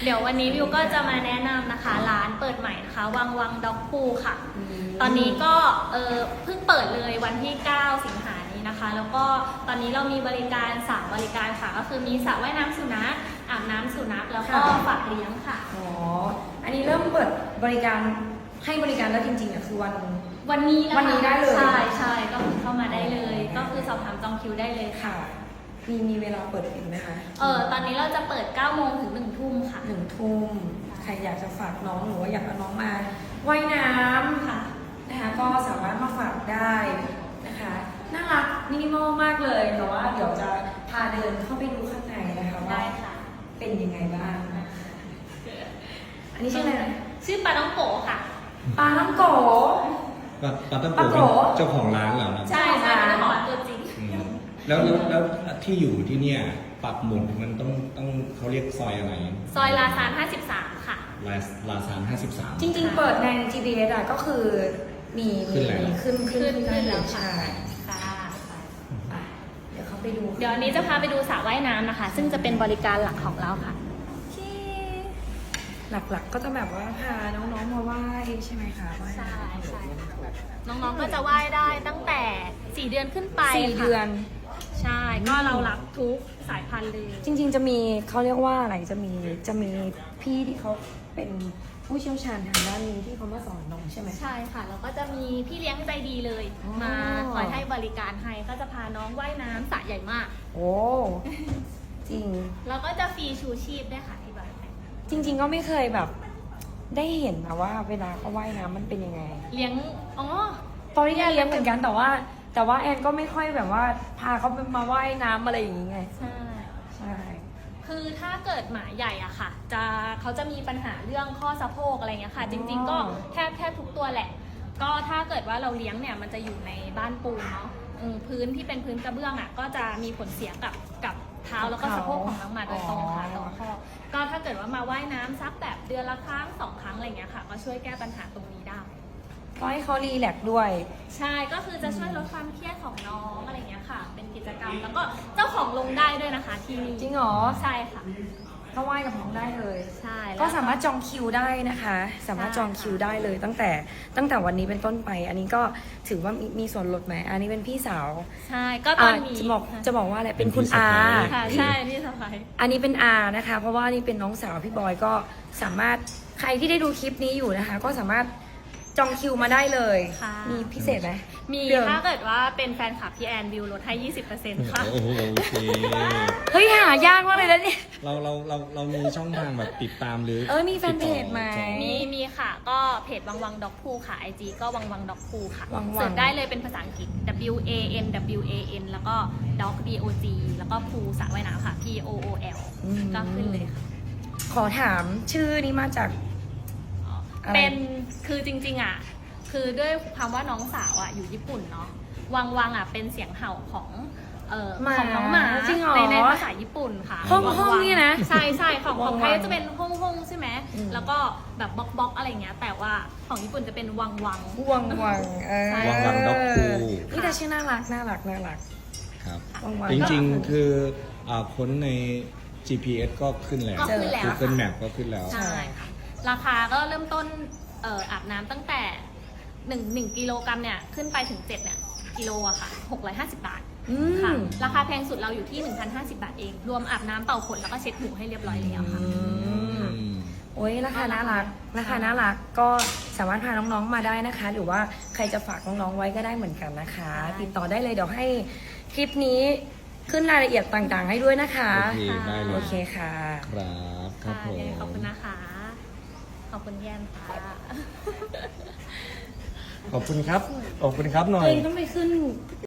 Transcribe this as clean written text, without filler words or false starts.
เดี๋ยววันนี้วิวก็จะมาแนะนำนะคะร้านเปิดใหม่นะคะวังด็อกพูค่ะตอนนี้ก็เพิ่งเปิดเลยวันที่ 9 สิงหานี้นะคะแล้วก็ตอนนี้เรามีบริการ3บริการค่ะก็คือมีสระว่ายน้ำสุนัขอาบน้ำสุนัขแล้วก็ฝากเลี้ยงค่ะอ๋ออันนี้เริ่มเปิดบริการให้บริการแล้วจริงๆคือวันนี้นะคะวันนี้ได้เลยใช่ก็เข้ามาได้เลยก็คือสอบถามจองคิวได้เลยค่ะมีเวลาเปิดปิดไหมคะตอนนี้เราจะเปิด 9 โมงถึง 1 ทุ่มค่ะ 1 ทุ่มใครอยากจะฝากน้องหรือว่าอยากเอาน้องมาว่ายน้ำค่ะนะคะก็สามารถมาฝากได้นะคะน่ารักมินิมอลมากเลยแต่ว่าเดี๋ยวจะพาเดินเข้าไปดูข้างในนะคะว่าเป็นยังไงบ้างอันนี้ชื่ออะไรนะชื่อปลาต้องโกค่ะปลาต้องโกปลาต้องโกเป็นเจ้าของร้านเหรอครับใช่เจ้าของตัวจริงแล้วที่อยู่ที่เนี่ยปักหมุดมันต้องเขาเรียกซอยอะไรซอยลาซาน53ค่ะลาซาน53 จริงๆเปิดใน GPS อะก็คือมีขึ้นแล้วใช่ค่ะเดี๋ยวเขาไปดูเดี๋ยวอันนี้จะพาไปดูสระว่ายน้ำนะคะซึ่งจะเป็นบริการหลักของเราค่ะหลักๆก็จะแบบว่าพาน้องๆมาไหว้ใช่ไหมคะใช่น้องๆก็จะไหว้ได้ตั้งแต่4 เดือนขึ้นไป 4 เดือนใช่ก็เรารับทุกสายพันธุ์เลยจริงๆจะมีเขาเรียกว่าอะไรจะมีพี่ที่เขาเป็นผู้เชี่ยวชาญทางด้านนี้ที่เขามาสอนน้องใช่ไหมใช่ค่ะแล้วก็จะมีพี่เลี้ยงใจดีเลยมาคอยให้บริการให้ก็จะพาน้องว่ายน้ำสระใหญ่มากโอ้จริงแล้วก็จะฟรีชูชีพด้วยค่ะที่บ้านจริงๆก็ไม่เคยแบบได้เห็นนะว่าเวลาเขาว่ายน้ำมันเป็นยังไงเลี้ยงตอนนี้แอนเลี้ยงเหมือนกันแต่ว่าแอนก็ไม่ค่อยแบบว่าพาเขามาว่ายน้ำอะไรอย่างงี้ไงใช่คือถ้าเกิดหมาใหญ่อะค่ะเขาจะมีปัญหาเรื่องข้อสะโพกอะไรเงี้ยค่ะจริงๆก็แทบทุกตัวแหละก็ถ้าเกิดว่าเราเลี้ยงเนี่ยมันจะอยู่ในบ้านปูนเนาะพื้นที่เป็นพื้นกระเบื้องอะก็จะมีผลเสียกับเท้าแล้วก็สะโพกของน้องหมาโดยตรงค่ะตรงข้อก็ถ้าเกิดว่ามาว่ายน้ำสักแบบเดือนละครั้ง2 ครั้งอะไรเงี้ยค่ะก็ช่วยแก้ปัญหาตรงนี้ได้ก็ให้เขารีแลกซ์ด้วยใช่ก็คือจะช่วยลดความเครียดของน้องอะไรเงี้ยค่ะเป็นกิจกรรมแล้วก็เจ้าของลงได้ด้วยนะคะที่นี่จริงเหรอใช่ค่ะก็ว่ายกับน้องได้เลยใช่ก็สามารถจองคิวได้นะคะสามารถจองคิวได้เลยตั้งแต่วันนี้เป็นต้นไปอันนี้ก็ถือว่ามีส่วนลดไหมอันนี้เป็นพี่สาวใช่ก็ตอนนี้จะบอกว่าอะไรเป็นคุณอาค่ะใช่พี่สะใภ้อันนี้เป็นอานะคะเพราะว่านี่เป็นน้องสาวพี่บอยก็สามารถใครที่ได้ดูคลิปนี้อยู่นะคะก็สามารถจองคิวมาได้เลยมีพิเศษไหมมีถ้าเกิดว่าเป็นแฟนคลับพี่แอนวิวลดให้ 20% ค่ะโอ้โหโอเคเฮ้ยหายากมากเลยนะเนี่ยเรามีช่องทางแบบติดตามหรือมีแฟนเพจไหมมีค่ะก็เพจวังด็อกพูค่ะ IG ก็วังด็อกพูค่ะเสิร์ชได้เลยเป็นภาษาอังกฤษ WAN แล้วก็ dog DOG แล้วก็พูสระว่ายน้ำค่ะ POOL ก็ขึ้นเลยค่ะขอถามชื่อนี้มาจากเป็นคือจริงๆอ่ะคือด้วยความว่าน้องสาวอ่ะอยู่ญี่ปุ่นเนาะวังอ่ะเป็นเสียงเห่าของน้องหมาในภาษาญี่ปุ่นค่ะห้องนี่นะใช่ของไทยจะเป็นห้องใช่ไหมแล้วก็แบบบล็อกอะไรเงี้ยแต่ว่าของญี่ปุ่นจะเป็นวังวังด็อกพูนี่แต่ชื่อน่ารักครับจริงๆคือค้นใน GPS ก็ขึ้นแล้ว Google Map ก็ขึ้นแล้วใช่ค่ะราคาก็เริ่มต้นอาบน้ำตั้งแต่1กิโลกรัมเนี่ยขึ้นไปถึง7เนี่ยกิโลอะค่ะ650 บาทค่ะราคาแพงสุดเราอยู่ที่ 1,050 บาทเองรวมอาบน้ำเป่าขนแล้วก็เช็ดหูให้เรียบร้อยแล้วค่ะโอ้ยราคาน่ารักก็สามารถพาน้องๆมาได้นะคะหรือว่าใครจะฝากน้องๆไว้ก็ได้เหมือนกันนะคะติดต่อได้เลยเดี๋ยวให้คลิปนี้ขึ้นรายละเอียดต่างๆให้ด้วยนะคะโอเคค่ะครับผมขอบคุณนะคะขอบคุณแยมค่ะขอบคุณครับหน่อยต้องไปขึ้น